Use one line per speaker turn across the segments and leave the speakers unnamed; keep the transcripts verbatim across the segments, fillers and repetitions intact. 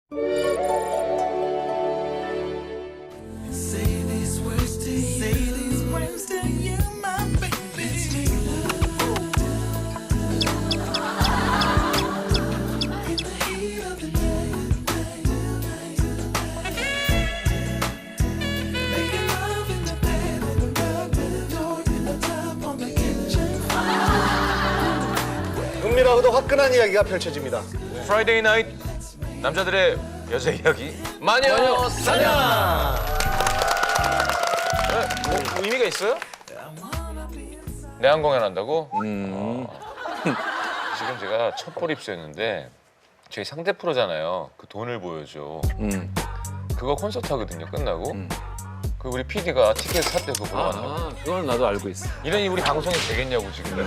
은밀하고도 화끈한 이야기가 펼쳐집니다.
프라이데이 나이트 남자들의 여자 이야기 마녀 사냥. 네, 뭐 의미가 있어요? 내한 공연한다고?
음.
어. 지금 제가 첫볼 입수했는데 저희 상대 프로잖아요. 그 돈을 보여줘.
음.
그거 콘서트 하거든요. 끝나고.
음.
그 우리 피디가 티켓 샀대 그거 보러 간다고.
아, 그건 나도 알고 있어.
이러니 우리 방송이 되겠냐고 지금.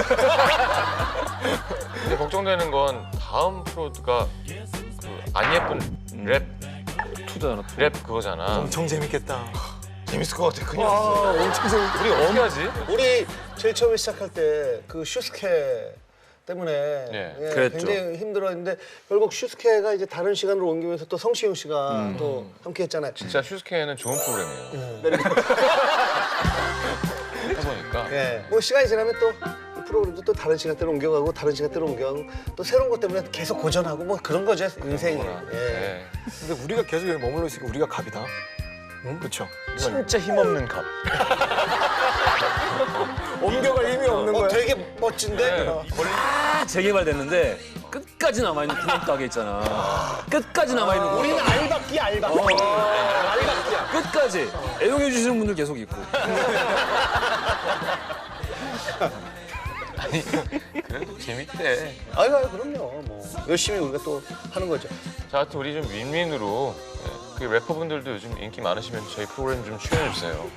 근데 걱정되는 건 다음 프로가 그 안 예쁜 랩,
투잖아. 투.
랩 그거잖아.
엄청 재밌겠다.
재밌을 것 같아. 큰일
아,
났어.
엄청 재밌.
우리 어떻게 하지?
우리 제일 처음에 시작할 때 그 슈스케 때문에
네.
예,
그랬죠.
굉장히 힘들었는데 결국 슈스케가 이제 다른 시간으로 옮기면서 또 성시경 씨가 또 함께했잖아요.
진짜 슈스케는 좋은 프로그램이에요. 해보니까.
예, 뭐 시간이 지나면 또 이 프로그램도 또 다른 시간대로 옮겨가고 다른 시간대로 옮겨가고 또 새로운 것 때문에 계속 고전하고 뭐 그런 거죠 인생이. 예.
네.
근데 우리가 계속 여기 머물러 있으니까 우리가 갑이다. 응? 그렇죠.
진짜 힘없는 갑.
옮겨갈 힘이 없는
어,
거야.
되게 멋진데.
네.
어.
다 재개발됐는데 끝까지 남아있는 기념 가게 있잖아. 끝까지 남아있는 거.
우리는 알바끼 알바끼.
어.
알바끼야.
끝까지 애용해 주시는 분들 계속 있고.
아니 그래도 재밌대.
아유, 아유 그럼요. 뭐 열심히 우리가 또 하는 거죠.
자, 하여튼 우리 좀 윈윈으로 예, 그 래퍼분들도 요즘 인기 많으시면 저희 프로그램 좀 출연해 주세요.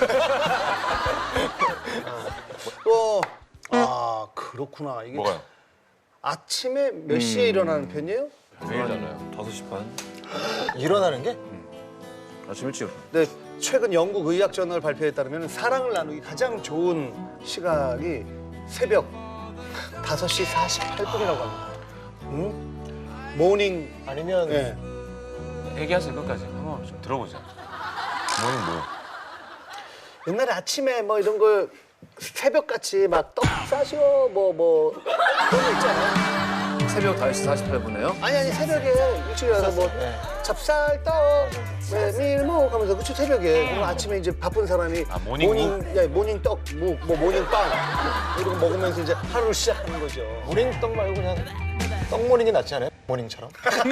또 아 그렇구나 이게
뭐가요?
아침에 몇 시에 일어나는 편이에요?
매일잖아요.
다섯 시 반.
일어나는 게?
아침 일찍.
네, 최근 영국 의학 저널 발표에 따르면 사랑을 나누기 가장 좋은 시각이 새벽 다섯 시 사십팔 분이라고 합니다. 응? 모닝
아니면
네.
얘기하세요 끝까지. 한번 좀 들어보자. 뭐는 뭐?
옛날에 아침에 뭐 이런 거 새벽같이 막 떡 싸셔 뭐뭐 그런 거 있잖아요.
새벽 다섯 시 사십팔 분에요?
아니 아니 새벽에 일찍 일어나서 뭐
네.
찹쌀떡, 왜 밀목 하면서 그쵸 새벽에 그리고 아침에 이제 바쁜 사람이
아, 모닝무?
모닝, 야, 모닝 떡, 뭐, 뭐 모닝빵 이런 거 먹으면서 이제 하루를 시작하는 거죠.
모닝떡 말고 그냥 떡모닝이 낫지 않아요? 모닝처럼.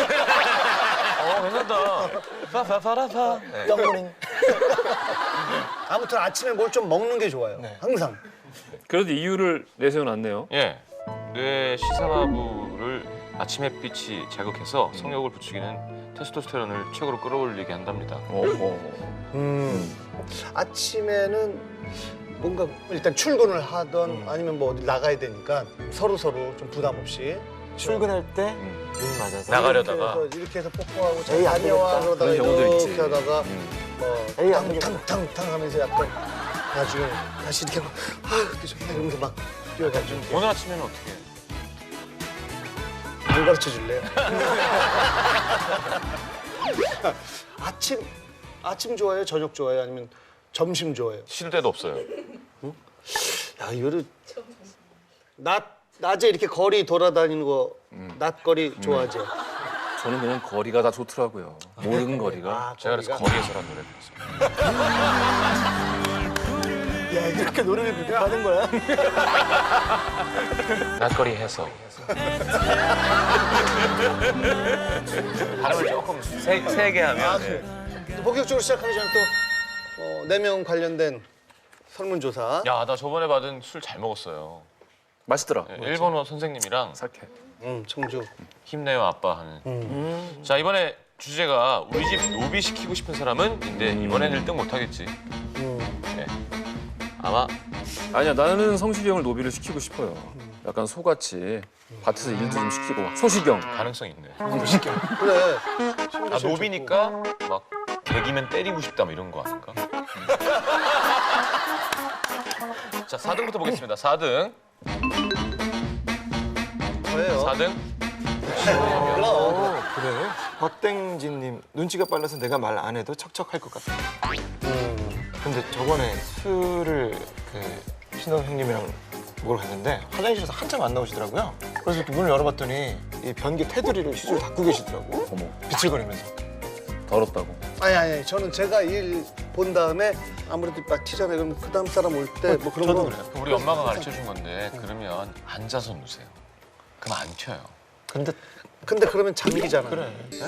어 괜찮다. 파파파라파. 네.
떡모닝.
아무튼 아침에 뭘 좀 먹는 게 좋아요.
네.
항상.
그래도 이유를 내세워놨네요.
예, 뇌 시사부를 아침 햇빛이 자극해서 성욕을 부추기는 테스토스테론을 최고로 끌어올리게 한답니다.
어허.
음. 아침에는 뭔가 일단 출근을 하던 아니면 뭐 어디 나가야 되니까 서로 서로 좀 부담 없이
출근할 때 눈 맞아서.
나가려다가.
이렇게 해서, 이렇게 해서 뽀뽀하고 잘
에이, 안
다녀와
되겠다.
그러다가
그런 경우들
이렇게
있지.
하다가
에이,
뭐
안 되겠다.
탕탕탕탕 하면서 약간 나중에 다시 이렇게 하고 아유 그때 좋다 이러면서 막 뛰어가지고
오늘 아침에는 어떻게 해요?
안 가르쳐 줄래요? 아침 아침 좋아해요? 저녁 좋아해요? 아니면 점심 좋아해요?
쉴 데도 없어요.
야 이거를 낮 낮에 이렇게 거리 돌아다니는 거 낮거리 좋아하죠?
저는 그냥 거리가 다 좋더라고요. 모든 거리가.
아,
제가 그래서
거리가?
거리에서란 노래 불렀습니다.
야 이렇게 노래를 그렇게 하는 거야?
낮거리 해서. 발음을 조금 세, 세게 하면.
아,
예.
그래. 또 본격적으로 시작하기 전에 또 네 명 관련된 설문조사.
야, 나 저번에 받은 술 잘 먹었어요.
맛있더라.
예, 일본어 선생님이랑
사케.
음, 청주.
힘내요 아빠 하는. 자, 이번에 주제가 우리 집 노비 시키고 싶은 사람은 인데 이번엔 일 등 못하겠지.
음.
예. 아마
아니야, 나는 성식이 형을 노비를 시키고 싶어요. 약간 소같이 밭에서 일도 좀 시키고. 소식경.
가능성 있네.
그래.
아, 노비니까 막 개기면 때리고 싶다 뭐 이런 거 아닌가? 자, 사 등부터 보겠습니다. 사 등.
저예요.
사 등.
그럼.
그래? 곽땡진님 눈치가 빨라서 내가 말 안 해도 척척할 것 같아.
음.
근데 저번에 술을 그 신동 형님이랑 먹으러 갔는데 화장실에서 한참 안 나오시더라고요. 그래서 이렇게 문을 열어봤더니 이 변기 테두리를 시술 닦고 계시더라고.
어머,
비틀거리면서.
더럽다고.
아니 아니 저는 제가 일 본 다음에 아무래도 막 튀잖아요. 그럼 그 다음 사람 올 때 뭐 그런
저도
거.
그래요.
우리 엄마가 가르쳐 준 건데 그러면 앉아서 누세요. 그럼 안 튀어요.
근데
근데 그러면 잠기잖아.
그래.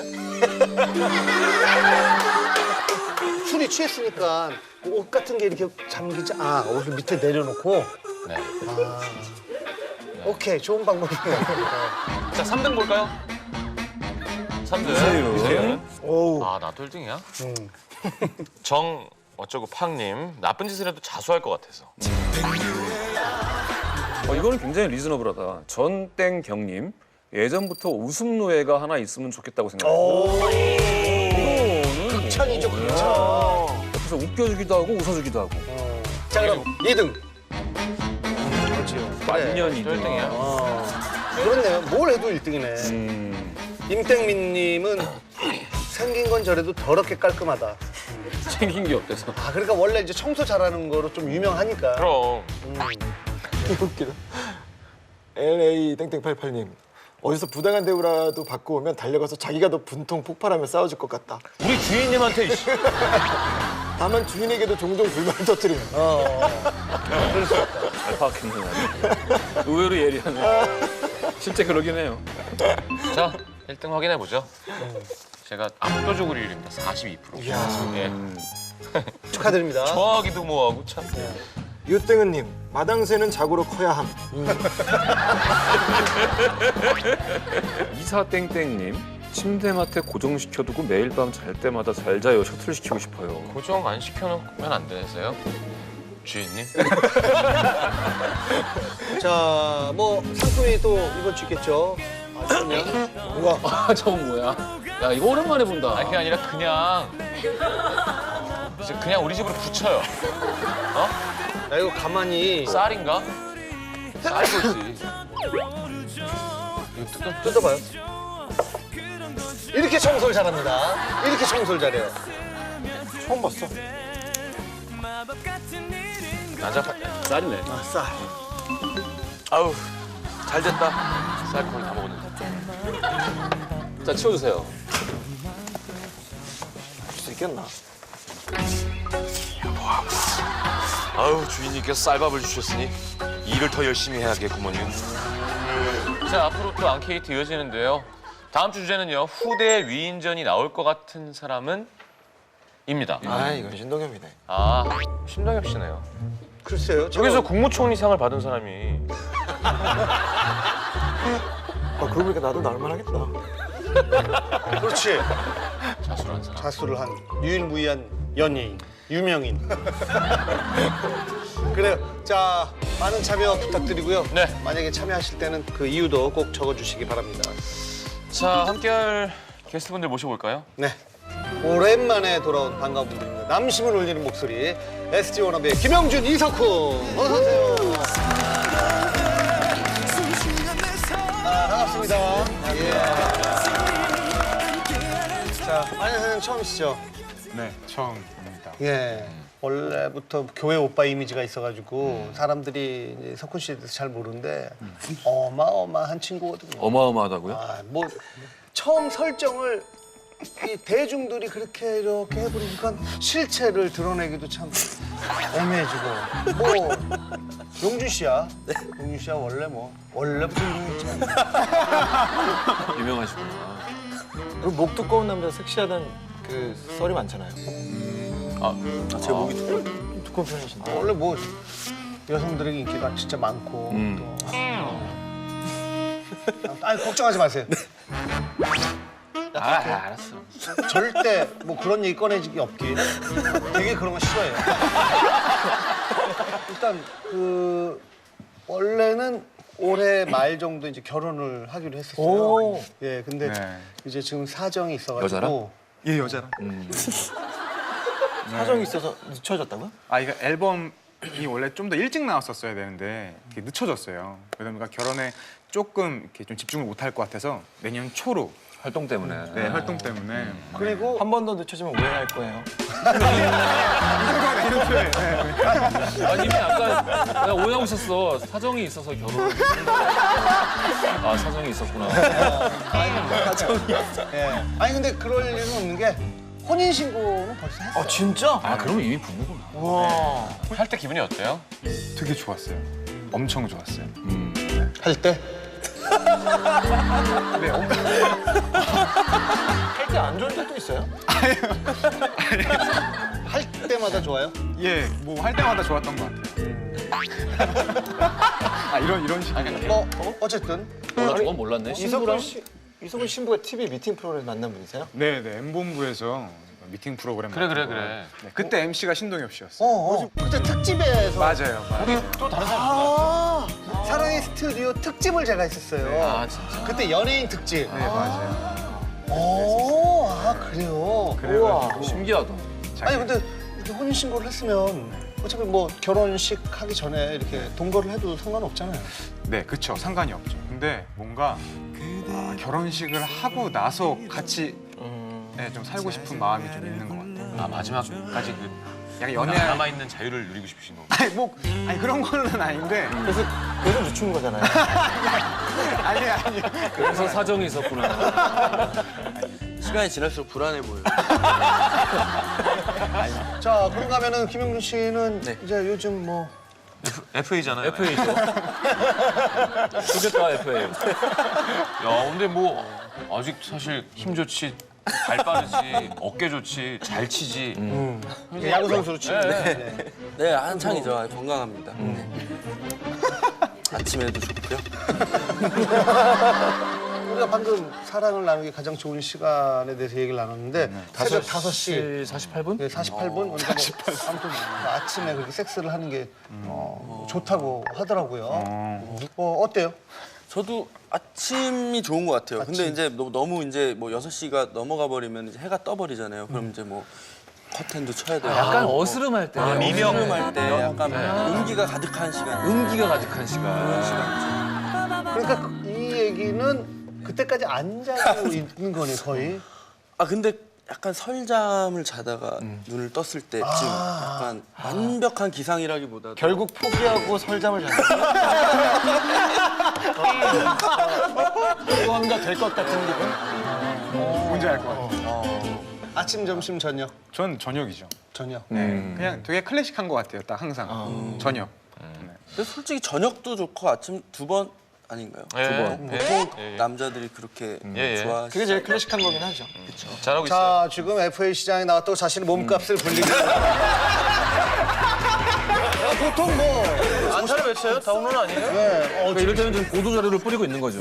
술이 취했으니까 옷 같은 게 이렇게 잠기지. 아 옷을 밑에 내려놓고.
네.
아. 오케이 좋은 방법이네요.
자, 삼 등 볼까요? 삼 등.
이세윤.
이세윤.
오우.
아, 나도 일 등이야?
음.
정 어쩌고 팡님 나쁜 짓을 해도 자수할 것 같아서.
어, 이거는 굉장히 리즈너블하다. 전땡경님 예전부터 웃음 노예가 하나 있으면 좋겠다고 생각해요.
오.
이거는
극찬이죠
뭐,
극찬.
예. 옆에서 웃겨주기도 하고 웃어주기도 하고.
어. 자 그럼 이 등. 그렇지요.
만년 이
또 일
등.
등이야?
어. 그렇네요. 뭘 해도 일 등이네.
음,
임땡민님은 생긴 건 저래도 더럽게 깔끔하다.
생긴 게 어때서?
아 그러니까 원래 이제 청소 잘하는 거로 좀 유명하니까.
그럼.
음.
웃기다. 엘에이 땡땡팔팔님 어디서 부당한 대우라도 받고 오면 달려가서 자기가 더 분통 폭발하며 싸워줄 것 같다.
우리 주인님한테 이씨.
다만 주인에게도 종종 불만을 터뜨리는.
어. 그럴 수 있다.
잘 파악했네. 의외로 예리하네. 실제 그러긴 해요.
자, 일 등 확인해 보죠. 제가 압도적으로 일 위입니다. 사십이 퍼센트.
이야.
예.
음,
축하드립니다.
좋아하기도 뭐하고 참.
유땡은님 마당새는 자고로 커야 함.
이사땡땡님 침대맡에 고정시켜두고 매일 밤 잘 때마다 잘 자요 셔틀 시키고 싶어요.
고정 안 시켜놓으면 안 되세요? 주인님?
자, 뭐 상품이 또 이번 주 있겠죠. 아, 그러면 우와.
아 저건 뭐야? 야 이거 오랜만에 본다.
아니 그게 아니라 그냥 이제 그냥 우리 집으로 붙여요. 어?
야 이거 가만히
쌀인가? 쌀이지. 이거 뜯어
뜯어봐요. 이렇게 청소를 잘합니다. 이렇게 청소를 잘해요.
처음 봤어.
나자.
쌀이네.
아, 쌀.
아우 잘 됐다. 쌀 거의 다 먹었는데.
자 치워주세요.
할 수 있겠나?
아우 주인님께서 쌀밥을 주셨으니 일을 더 열심히 해야겠구먼요. 자 앞으로 또 앙케이트 이어지는데요. 다음 주 주제는요. 후대 위인전이 나올 것 같은 사람은 입니다.
아 이건 신동엽이네.
아 신동엽 씨네요.
글쎄요. 제가-
여기서 국무총리상을 받은 사람이
아 그러고 보니까 나도 나올만 하겠다.
그렇지.
자수를 한 사람.
자수를 한 유일무이한 연예인, 유명인. 그래요. 자, 많은 참여 부탁드리고요.
네.
만약에 참여하실 때는 그 이유도 꼭 적어주시기 바랍니다.
자 함께할 게스트분들 모셔볼까요?
네. 오랜만에 돌아온 반가운 분들입니다. 남심을 울리는 목소리 에스지 워너비의 김영준, 이석훈 어서 오세요. 아, 반갑습니다. 예. 자, 안현 선생님 처음이시죠?
네, 처음입니다.
예. 원래부터 교회 오빠 이미지가 있어가지고 사람들이 이제 석훈 씨에 대해서 잘 모르는데 어마어마한 친구거든요.
어마어마하다고요?
아, 뭐 처음 설정을 이 대중들이 그렇게 이렇게 해버리니까 실체를 드러내기도 참 애매해지고 뭐 용준 씨야. 용준 씨야 원래 뭐 원래부터 유명했잖아.
유명하시구나.
그리고 목 두꺼운 남자 섹시하다는 그 썰이 많잖아요.
제 목이 두꺼워.
두꺼운 편이신데.
원래 뭐 여성들에게 인기가 진짜 많고
음.
또 아니 걱정하지 마세요.
아 알았어.
절대 뭐 그런 얘기 꺼내지기 없기. 되게 그런 거 싫어해요. 일단 그 원래는 올해 말 정도 이제 결혼을 하기로 했었어요.
오.
예, 근데
네.
이제 지금 사정이 있어가지고.
여자랑?
예, 여자랑.
음.
사정이 있어서 늦춰졌다고요?
아, 이거 앨범이 원래 좀 더 일찍 나왔었어야 되는데 이렇게 늦춰졌어요. 그러다 보니까 결혼에 조금 이렇게 좀 집중을 못할 것 같아서 내년 초로
활동 때문에.
네, 활동 때문에.
그리고
한 번 더 늦춰지면 오해할 거예요.
아니 이미 아까 내가 오해하고 있었어. 사정이 있어서 결혼을. 아 사정이 있었구나.
예. 아니 근데 그럴 일은 없는 게 혼인 신고는 벌써 했어요.
아 진짜?
아 그러면 이미 부부구나.
와.
할 때 기분이 어때요?
되게 좋았어요. 엄청 좋았어요.
할 때?
네, 엄-
할 때 안 좋은 적도 있어요?
할 때마다 좋아요?
예, 뭐 할 때마다 좋았던 것 같아요. 아 이런 이런 식이.
뭐 어쨌든
몰라 저건 몰랐네.
이석훈 씨, 이석훈 신부가 티비 미팅 프로그램 만난 분이세요?
네, 네, 엠본부에서 미팅 프로그램.
그래, 그래,
만들고.
그래.
네, 그때 엠씨가 신동엽 씨였어요.
어, 어. 그때 특집에서
맞아요, 맞아요.
또 다른 사람
아, 사랑의 스튜디오 특집을 제가 했었어요.
아 진짜.
그때 연예인 특집.
네, 맞아요.
오, 아 그래요.
그래가지고
신기하다.
아니 근데 이렇게 혼인 신고를 했으면 어차피 뭐 결혼식 하기 전에 이렇게 동거를 해도 상관없잖아요.
네, 그쵸. 상관이 없죠. 근데 뭔가 아, 결혼식을 하고 나서 같이 네, 좀 살고 싶은 마음이 좀 있는 것 같아요.
아 마지막까지 그
약간
연애
연애.
남아 있는 자유를 누리고 싶으신 거고.
아니 뭐 아니 그런 거는 아닌데.
그래서 그래서 늦춘 거잖아요.
아니 아니.
그래서 사정이 있었구나.
시간이 지날수록 불안해 보여요.
자 그런가 하면은 김영준 씨는
네.
이제 요즘 뭐
에프에이잖아요.
에프에이죠. 좋겠다 에프에이.
야, 근데 뭐 아직 사실 힘 좋지, 발 빠르지, 어깨 좋지, 잘 치지.
야구 선수로 치는데 네.
네, 한창이죠. 건강합니다. 네. 아침에도 좋고요.
우리가 방금 사랑을 나누기 가장 좋은 시간에 대해서 얘기를 나눴는데 새벽 다섯 시
사십팔 분?
네, 사십팔 분? 그러니까 뭐 아무튼 뭐 아침에 그렇게 섹스를 하는 게 어, 좋다고 하더라고요. 어, 어때요?
저도 아침이 좋은 것 같아요. 근데 이제 너무, 너무 이제 뭐 여섯 시가 넘어가 버리면 이제 해가 떠 버리잖아요. 그럼 이제 뭐 커튼도 쳐야 되고.
약간 어스름할 때.
미명.
할 때 약간 운기가 가득한 시간.
은기가 가득한 시간.
시간이죠.
그러니까 이 얘기는 그때까지 안 자고 있는 거네 거의.
아 근데 약간 설잠을 자다가 눈을 떴을 때쯤 약간 완벽한 기상이라기보다도
결국 포기하고 설잠을 잤어요. 무언가 될 것 같은 기분?
뭔지 알 것 같아요.
아침, 점심, 저녁.
전 저녁이죠.
저녁.
네, 그냥 되게 클래식한 것 같아요. 딱 항상 저녁.
근데 솔직히 저녁도 좋고 아침 두 번 아닌가요?
예,
두 번.
예,
보통
예, 예.
남자들이 그렇게
예, 예.
좋아하시죠.
그게 제일 클래식한 거긴 하죠.
잘하고 있어요.
자 지금 에프에이 시장에 나왔다고 자신의 몸값을 불리고. 보통 뭐
안타를 외쳐요? 다운로드 아니에요?
네, 어,
그러니까 이럴 때는 좀 보도 자료를 뿌리고 있는 거죠.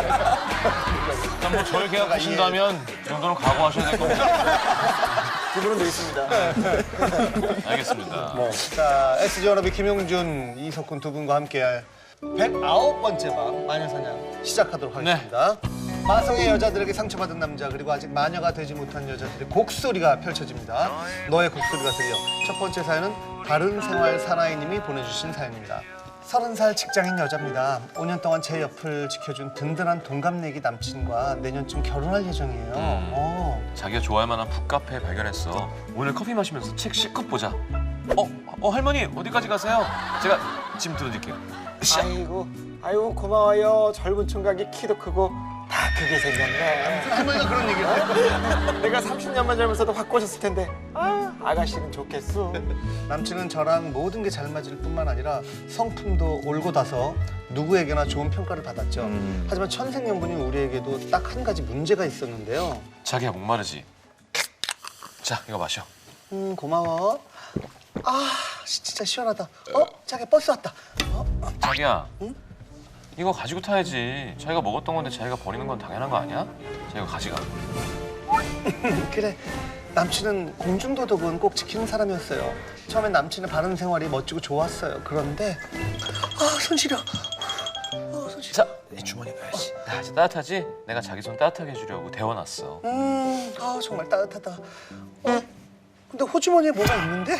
일단 뭐 저를 계약하신다면 이 정도는 각오하셔야 될 겁니다.
기분은 돼 있습니다.
알겠습니다.
자, 에스지 워너비 김용준, 이석훈 두 분과 함께할 백구 번째 밤 마녀사냥 시작하도록 하겠습니다. 마성의 여자들에게 상처받은 남자 그리고 아직 마녀가 되지 못한 여자들의 곡소리가 펼쳐집니다. 너의 곡소리가 들려. 첫 번째 사연은 바른생활 사나이님이 보내주신 사연입니다. 서른 살 직장인 여자입니다. 오 년 동안 제 옆을 지켜준 든든한 동갑내기 남친과 내년쯤 결혼할 예정이에요. 어.
자기가 좋아할 만한 북카페 발견했어. 오늘 커피 마시면서 책 실컷 보자. 어, 어 할머니 어디까지 가세요? 제가 짐 들어줄게요. 샤.
아이고, 아이고 고마워요. 젊은 총각이 키도 크고 다 크게 생겼네.
할머니가 그런 얘기를 해요.
내가 삼십 년만 젊었어도 확 꼬셨을 텐데. 아, 아가씨는 좋겠어.
남친은 저랑 모든 게 잘 맞을 뿐만 아니라 성품도 올곧아서 누구에게나 좋은 평가를 받았죠. 하지만 천생연분인 우리에게도 딱 한 가지 문제가 있었는데요.
자기야 목마르지? 자 이거 마셔.
음 고마워. 아 진짜 시원하다. 어 자기 버스 왔다. 어?
자기야. 이거 가지고 타야지. 자기가 먹었던 건데 자기가 버리는 건 당연한 거 아니야? 자기가 가져가.
그래. 남친은 공중도덕은 꼭 지키는 사람이었어요. 처음엔 남친의 바른 생활이 멋지고 좋았어요. 그런데 아손 시려. 어, 손 시려.
자, 이 주머니 넣어야지. 야, 이제 따뜻하지? 내가 자기 손 따뜻하게 해주려고 데워놨어.
음, 아 정말 따뜻하다. 어? 근데 호주머니에 뭐가 있는데?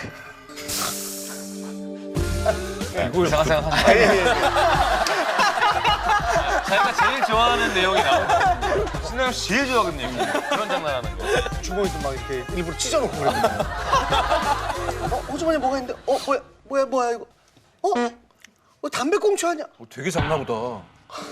이상한 생각 하지 마. 자기가 제일 좋아하는 내용이 나온다. 신나영 씨 제일 좋아하거든요. 그런 장난하는 거.
주머니도 막 이렇게 일부러 찢어놓고 그랬거든요. 어, 호주머니 뭐가 있는데? 어, 뭐야, 뭐야, 뭐야 이거? 어? 어, 담배꽁초 아니야?
어, 되게 작나 보다.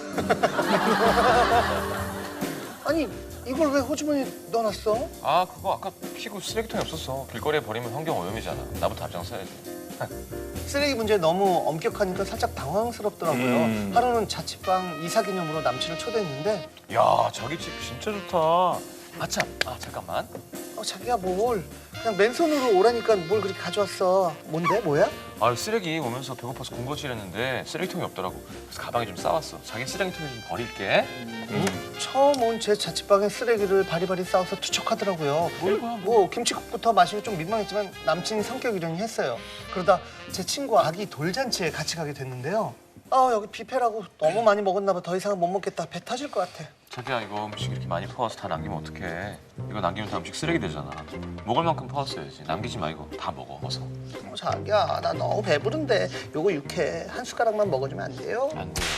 아니, 이걸 왜 호주머니에 넣어놨어?
아 그거 아까 피고 쓰레기통에 없었어. 길거리에 버리면 환경 오염이잖아. 나부터 앞장서야지.
쓰레기 문제 너무 엄격하니까 살짝 당황스럽더라고요.
음.
하루는 자취방 이사 기념으로 남친을 초대했는데
야 자기 집 진짜 좋다. 아참, 아 잠깐만.
어, 자기야 뭘 그냥 맨손으로 오라니까 뭘 그렇게 가져왔어. 뭔데? 뭐야?
아 쓰레기 오면서 배고파서 군것질했는데 쓰레기통이 없더라고. 그래서 가방에 좀 싸왔어. 자기 쓰레기통에 좀 버릴게.
처음 온 제 자취방에 쓰레기를 바리바리 싸워서 투척하더라고요.
뭐야,
뭐 김치국부터 마시고 좀 민망했지만 남친이 성격이려니 했어요. 그러다 제 친구 아기 돌잔치에 같이 가게 됐는데요. 아 여기 뷔페라고 너무 많이 먹었나 봐. 더 이상은 못 먹겠다. 배 터질 것 같아.
자기야 이거 음식 이렇게 많이 퍼와서 다 남기면 어떡해. 이거 남기면 다 음식 쓰레기 되잖아. 먹을 만큼 퍼왔어야지. 남기지 말고 다 먹어 어서.
어, 자기야 나 너무 배부른데 요거 육회 한 숟가락만 먹어주면 안 돼요?
안 돼.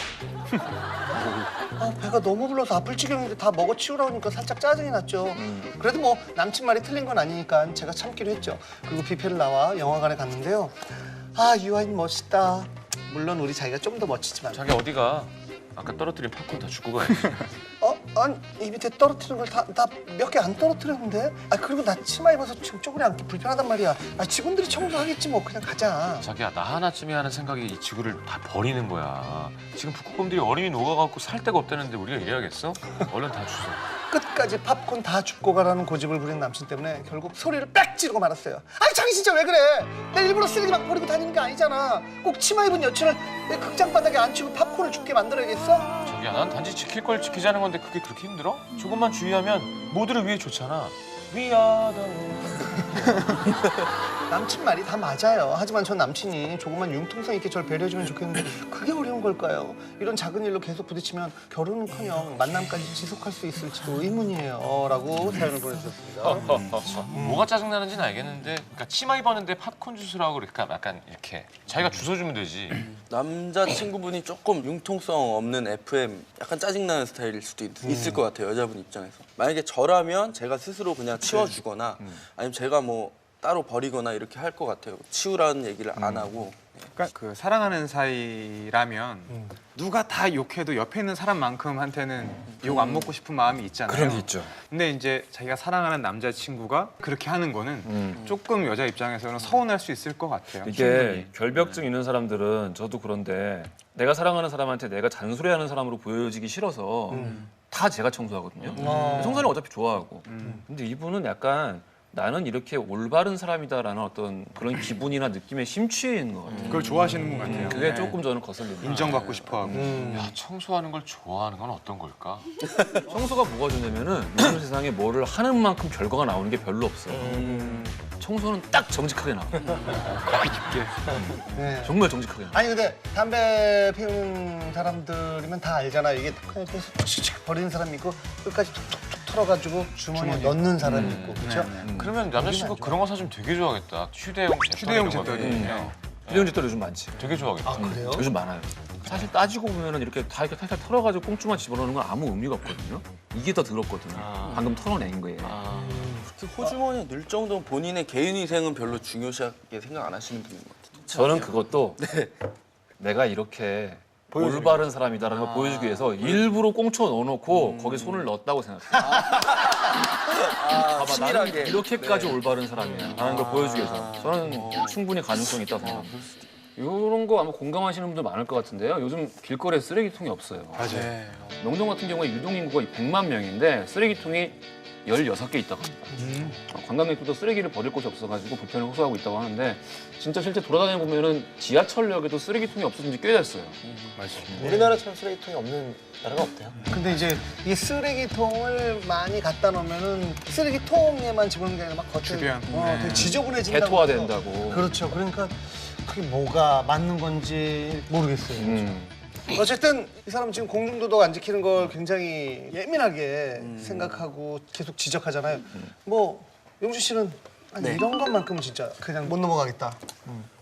아, 배가 너무 불러서 아플 지경인데 다 먹어 치우라고 하니까 살짝 짜증이 났죠. 그래도 뭐 남친 말이 틀린 건 아니니까 제가 참기로 했죠. 그리고 뷔페를 나와 영화관에 갔는데요. 아 유아인 멋있다. 물론 우리 자기가 좀 더 멋지지만.
자기 어디가? 아까 떨어뜨린 팝콘 다 죽고 가야지.
어? 아니 이 밑에 떨어뜨린 걸 다 다 몇 개 안 떨어뜨렸는데? 아 그리고 나 치마 입어서 지금 쪼그려 앉기 불편하단 말이야. 아 직원들이 청소하겠지 뭐. 그냥 가자.
자기야 나 하나쯤에 하는 생각이 이 지구를 다 버리는 거야. 지금 북극곰들이 얼음이 녹아갖고 살 데가 없다는데 우리가 이래야겠어? 얼른 다 주워.
끝까지 팝콘 다 줍고 가라는 고집을 부린 남친 때문에 결국 소리를 빽 지르고 말았어요. 아니 자기 진짜 왜 그래? 내 일부러 쓰레기 막 버리고 다니는 게 아니잖아. 꼭 치마 입은 여친을 내 극장 바닥에 앉히고 팝콘을 줍게 만들어야겠어?
자기야 난 단지 지킬 걸 지키자는 건데 그게 그렇게 힘들어? 조금만 주의하면 모두를 위해 좋잖아. We are the world.
남친 말이 다 맞아요. 하지만 전 남친이 조금만 융통성 있게 절 배려해주면 좋겠는데 그게 어려운 걸까요? 이런 작은 일로 계속 부딪히면 결혼은커녕 만남까지 지속할 수 있을지도 의문이에요. 라고 사연을 보내주셨습니다.
뭐가 짜증나는지는 알겠는데 그러니까 치마 입었는데 팝콘 주스라고 그러니까 약간 이렇게 자기가 주워주면 되지.
남자친구분이 조금 융통성 없는 에프엠 약간 짜증나는 스타일일 수도 있, 있을 것 같아요. 여자분 입장에서. 만약에 저라면 제가 스스로 그냥 치워주거나 아니면 제가 뭐 따로 버리거나 이렇게 할 것 같아요. 치우라는 얘기를 안 하고.
그러니까 그 사랑하는 사이라면 누가 다 욕해도 옆에 있는 사람만큼한테는 욕 안 먹고 싶은 마음이 있잖아요.
그런 게 있죠.
근데 이제 자기가 사랑하는 남자친구가 그렇게 하는 거는
음.
조금 여자 입장에서는 서운할 수 있을 것 같아요.
이게
충분히.
결벽증 있는 사람들은 저도 그런데 내가 사랑하는 사람한테 내가 잔소리하는 사람으로 보여지기 싫어서 다 제가 청소하거든요. 청소는 어차피 좋아하고. 근데 이분은 약간 나는 이렇게 올바른 사람이다라는 어떤 그런 기분이나 느낌에 심취해 있는 것 같아요.
그걸 좋아하시는 분 같아요.
그게
네.
조금 저는 거슬립니다.
인정받고 싶어하고.
야 청소하는 걸 좋아하는 건 어떤 걸까?
청소가 뭐가 좋냐면은 요즘 세상에 뭐를 하는 만큼 결과가 나오는 게 별로 없어요. 청소는 딱 정직하게 나와요.
네.
정말 정직하게 나와요.
아니 근데 담배 피우는 사람들이면 다 알잖아. 이게 그냥 계속 칙칙 버리는 사람이 있고 끝까지 툭툭툭 털어가지고 주머니에 넣는 사람이 있고 그렇죠?
그러면 남자친구 그런 거 사주면 되게 좋아하겠다. 휴대용 잿더리
휴대용
이런 거.
잿더리.
휴대용 잿더리 요즘 많지.
되게 좋아하겠다.
아 그래요?
요즘 많아요. 사실 따지고 보면은 이렇게 다 이렇게 탈탈 털어가지고 꽁초만 집어넣는 건 아무 의미가 없거든요. 이게 더 더럽거든요. 방금 털어낸 거예요.
특히 호주머니에 넣을 정도면 본인의 개인위생은 별로 중요시하게 생각 안 하시는 분인 것 같아요.
저는 그것도 내가 이렇게 올바른 사람이다라는 걸 보여주기 위해서 일부러 꽁초 넣어놓고 거기 손을 넣었다고 생각해요. 봐봐,
치밀하게.
나는 이렇게까지 올바른 사람이야 라는 걸 보여주기 위해서 저는 충분히 가능성이 있다고 생각합니다. 이런 거 아마 공감하시는 분들 많을 것 같은데요. 요즘 길거리에 쓰레기통이 없어요.
맞아요.
명동 같은 경우에 유동인구가 백만 명인데 쓰레기통이 열여섯 개 있다고 합니다.
음.
어, 관광객들도 쓰레기를 버릴 곳이 없어가지고 불편을 호소하고 있다고 하는데 진짜 실제 돌아다녀 보면은 지하철역에도 쓰레기통이 없어진 지 꽤 됐어요.
맞아요.
우리나라처럼 쓰레기통이 없는 나라가 없대요.
근데 이제 이 쓰레기통을 많이 갖다 놓으면은 쓰레기통에만 집어넣는 게 아니라 막 겉에
주변.
어,
네.
되게 지저분해진다고.
개토화된다고.
그렇죠. 그러니까 그게 뭐가 맞는 건지 모르겠어요.
음.
어쨌든 이 사람은 지금 공중도덕 안 지키는 걸 굉장히 예민하게 생각하고 계속 지적하잖아요. 뭐 용주 씨는 아니,
네.
이런 것만큼은 진짜 그냥 못 넘어가겠다.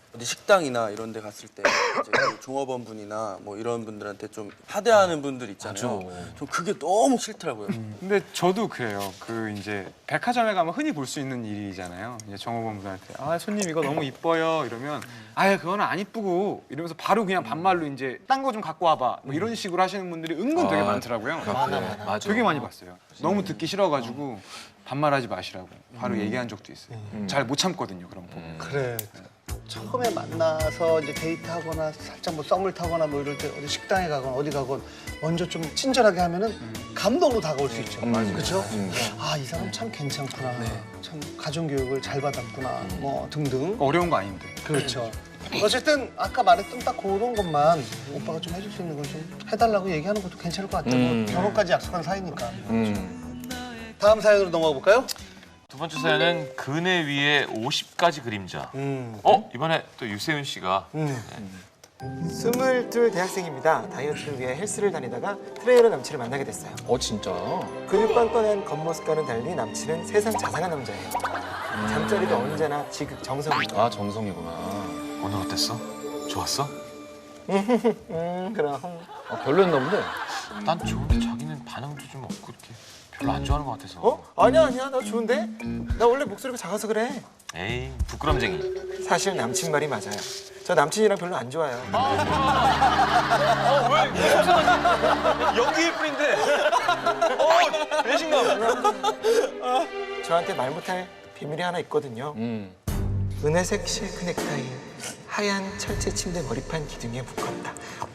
어디 식당이나 이런 데 갔을 때 이제 그 종업원 분이나 뭐 이런 분들한테 좀 하대하는 분들 있잖아요. 좀 그게 너무 싫더라고요.
근데 저도 그래요. 그 이제 백화점에 가면 흔히 볼 수 있는 일이잖아요. 이제 종업원분한테 아 손님 이거 너무 이뻐요 이러면 아예 그거는 안 이쁘고 이러면서 바로 그냥 반말로 이제 딴 거 좀 갖고 와봐 뭐 이런 식으로 하시는 분들이 은근 되게 많더라고요.
많아, 많아. 맞아.
되게 많이 봤어요. 너무 듣기 싫어가지고 반말하지 마시라고 바로 얘기한 적도 있어요. 잘 못 참거든요 그런 거.
그래. 처음에 만나서 이제 데이트하거나 살짝 뭐 썸을 타거나 뭐 이럴 때 어디 식당에 가거나 어디 가건 먼저 좀 친절하게 하면은 감동으로 다가올 수 있죠. 그렇죠? 아, 이 사람 참 괜찮구나. 참 가정교육을 잘 받았구나. 뭐 등등.
어려운 거 아닌데.
그렇죠. 어쨌든 아까 말했던 딱 그런 것만 오빠가 좀 해줄 수 있는 걸 좀 해달라고 얘기하는 것도 괜찮을 것 같아요.
음.
뭐 결혼까지 약속한 사이니까.
음.
다음 사연으로 넘어가 볼까요?
두 번째 사연은 그네 위에 오십가지 그림자.
음.
어 이번에 또 유세윤 씨가
음.
스물둘 대학생입니다. 다이어트를 위해 헬스를 다니다가 트레이너 남친을 만나게 됐어요.
어 진짜?
근육 뻔뻔한 겉모습과는 달리 남친은 세상 자상한 남자예요. 잠자리도 언제나 지극 정성입니다.
아 정성이구나.
오늘 어땠어? 좋았어?
음, 그럼.
아, 별로였나 본데.
난 좋은데 자기는 반응도 좀 없고 이렇게 별로 안 좋아하는 것 같아서.
어? 아니야, 아니야. 나 좋은데? 나 원래 목소리가 작아서 그래.
에이 부끄럼쟁이.
사실 남친 말이 맞아요. 저 남친이랑 별로 안 좋아요.
연기일 뿐인데. 어 배신감.
저한테 말 못할 비밀이 하나 있거든요.
음.
은혜색 실크 넥타이, 하얀 철제 침대 머리판 기둥에 묶었다.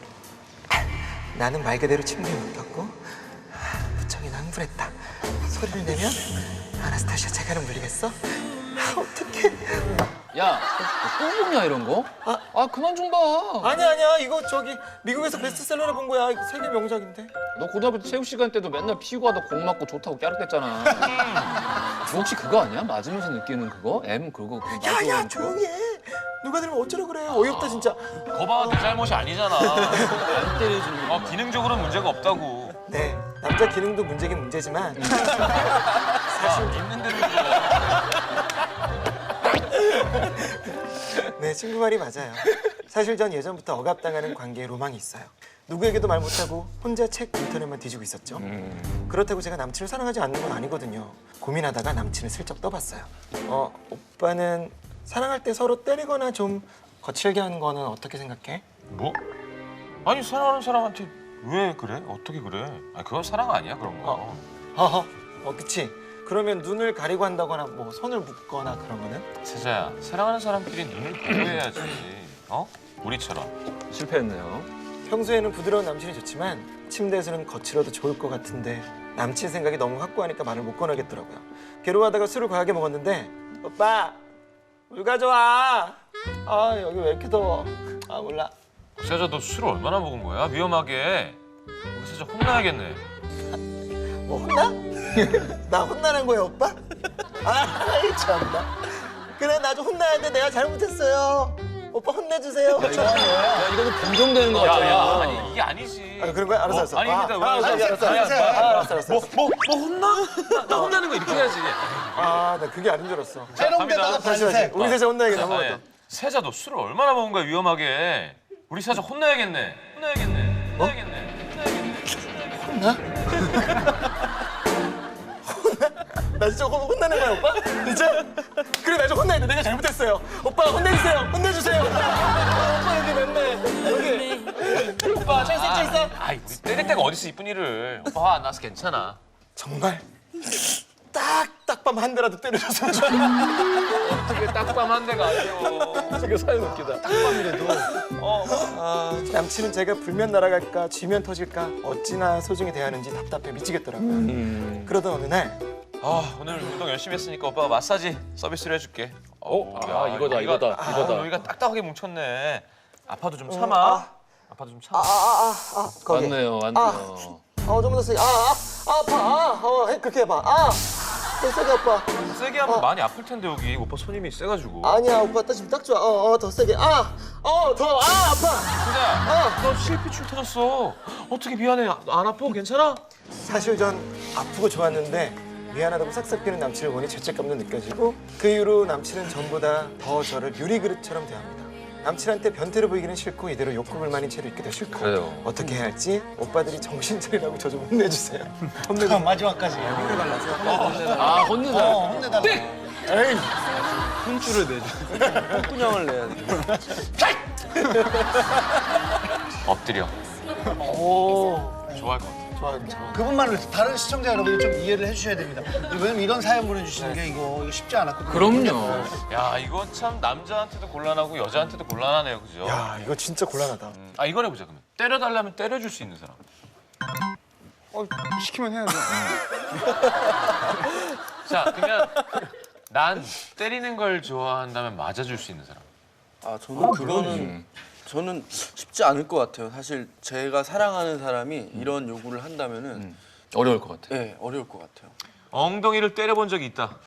나는 말 그대로 침대에 묶였고 무척이 흥분했다. 소리를 내면 아나스타시아 재갈을 물리겠어? 아, 어떡해.
야, 또 보냐 이런 거?
아.
아 그만 좀 봐.
아니야, 아니야. 이거 저기 미국에서 베스트셀러로 본 거야. 이거 세계 명작인데.
너 고등학교 때 체육 시간 때도 맨날 피고 하다 공 맞고 좋다고 깨르댔잖아. 너 혹시 그거 아니야? 맞으면서 느끼는 그거? M 그거 그거
야,
맞아,
야,
그거?
조용히 해. 누가 들으면 어쩌려 그래. 어이없다, 진짜.
거봐 내 잘못이 아니잖아.
안 때려주는 거.
어, 기능적으로는 문제가 없다고.
네, 남자 기능도 문제긴 문제지만
사실 있는 대로
네, 친구 말이 맞아요. 사실 전 예전부터 억압당하는 관계에 로망이 있어요. 누구에게도 말 못하고 혼자 책 인터넷만 뒤지고 있었죠. 그렇다고 제가 남친을 사랑하지 않는 건 아니거든요. 고민하다가 남친을 슬쩍 떠봤어요. 어, 오빠는 사랑할 때 서로 때리거나 좀 거칠게 하는 거는 어떻게 생각해?
뭐? 아니 사랑하는 사람한테 왜 그래? 어떻게 그래? 아 그건 사랑 아니야 그런 거.
어. 허허, 어, 그치. 그러면 눈을 가리고 한다거나 뭐 손을 묶거나 그런 거는?
세자야 사랑하는 사람끼리 눈을 보호해야지. 어? 우리처럼.
실패했네요.
평소에는 부드러운 남친이 좋지만 침대에서는 거칠어도 좋을 것 같은데 남친 생각이 너무 확고하니까 말을 못 꺼내겠더라고요. 괴로워하다가 술을 과하게 먹었는데 오빠 물 가져와. 아 여기 왜 이렇게 더워. 아 몰라.
세자 너 술을 얼마나 먹은 거야? 위험하게. 우리 세자 혼나야겠네.
뭐 혼나? 나 혼나는 거야 오빠? 아이 참나. 그래 나 좀 혼나야 돼. 내가 잘못했어요. 오빠 혼내주세요.
야 이거는 변종되는 거 같아.
야야 아니 이게 아니지.
아, 그런 거야? 알았어, 알았어.
아니 근데
아,
왜?
아, 알았어, 알았어,
아니,
알았어,
아니,
알았어, 알았어, 알았어.
뭐, 뭐, 뭐 혼나? 나, 나 혼나는 거 이렇게 해야지.
아, 나 그게 아닌 줄 알았어.
때롱대다가
갑니다.
다시 다시.
반색.
우리 셋이 혼나야겠다.
아니,
넘어갔다.
세자 너 술을 얼마나 먹은 거야 위험하게. 우리 세자 혼나야겠네. 혼나야겠네. 혼나야겠네. 혼나야겠네.
나 진짜 혼- 혼나는 거야 오빠? 진짜? 그래 나 좀 혼나야 돼. 내가 잘못했어요. 오빠 혼내주세요. 혼내주세요. 아, 오빠 여기 맵네. 여기. 오빠 찰수 있어 있어.
아이 우리 때릴 때가 어딨어 이쁜 일을. 오빠 화 안 나서 괜찮아.
정말 딱 딱밤 한 대라도 때려줬으면 좋겠어.
어떻게 딱밤 한 대가 아니오.
되게 사연 웃기다.
딱밤이라도.
아, 남친은 제가 불면 날아갈까 쥐면 터질까 어찌나 소중히 대하는지 답답해 미치겠더라고요.
음.
그러던 어느 날
아 오늘 운동 열심히 했으니까 오빠가 마사지 서비스로 해줄게.
어? 야, 이거다, 이거다, 이거다.
아, 여기가 딱딱하게 뭉쳤네. 아파도 좀 참아. 아파도 좀 참아.
아아아아 거기.
맞네요, 맞네요.
어 좀 더 세게. 아아 아, 아파. 아 어, 해, 그렇게 해봐. 아 더 세게 아파.
세게 하면 많이 아플 텐데 여기 오빠 손 힘이 세가지고.
아니야 오빠 딱 지금 딱 좋아. 어어 더 세게. 아어더아 아파.
진짜. 너 실핏줄 터졌어. 어떻게 미안해. 아, 안 아파? 괜찮아?
사실 전 아프고 좋았는데 미안하다고 싹싹 비는 남친을 보니 죄책감도 느껴지고 그 이후로 남친은 전보다 더 저를 유리 그릇처럼 대합니다. 남친한테 변태로 보이기는 싫고 이대로 욕구를 많이 채로 있기도 싫고
그래요.
어떻게 해야 할지 오빠들이 정신 차리라고 저 좀 혼내주세요. 혼내주
그럼 마지막까지.
아 혼내다.
어, 혼내달라.
에이
혼쭐을 내줘. 혼꾸녕을 내야 돼.
엎드려.
오.
좋아할 것 같아.
좋아요. 그분만을 위해서 다른 시청자 여러분이 좀 이해를 해주셔야 됩니다. 왜냐면 이런 사연 보내주시는 게 이거, 이거 쉽지 않았거든요.
그럼요.
야, 이거 참 남자한테도 곤란하고 여자한테도 곤란하네요, 그죠?
야 이거 진짜 곤란하다.
음, 아, 이걸 해보자, 그러면. 때려달라면 때려줄 수 있는 사람.
어, 시키면 해야죠.
자, 그러면 난 때리는 걸 좋아한다면 맞아줄 수 있는 사람.
아 저는 그거는 저는 쉽지 않을 것 같아요. 사실 제가 사랑하는 사람이 이런 요구를 한다면은
어려울 것 같아.
네, 어려울 것 같아요.
엉덩이를 때려본 적이 있다.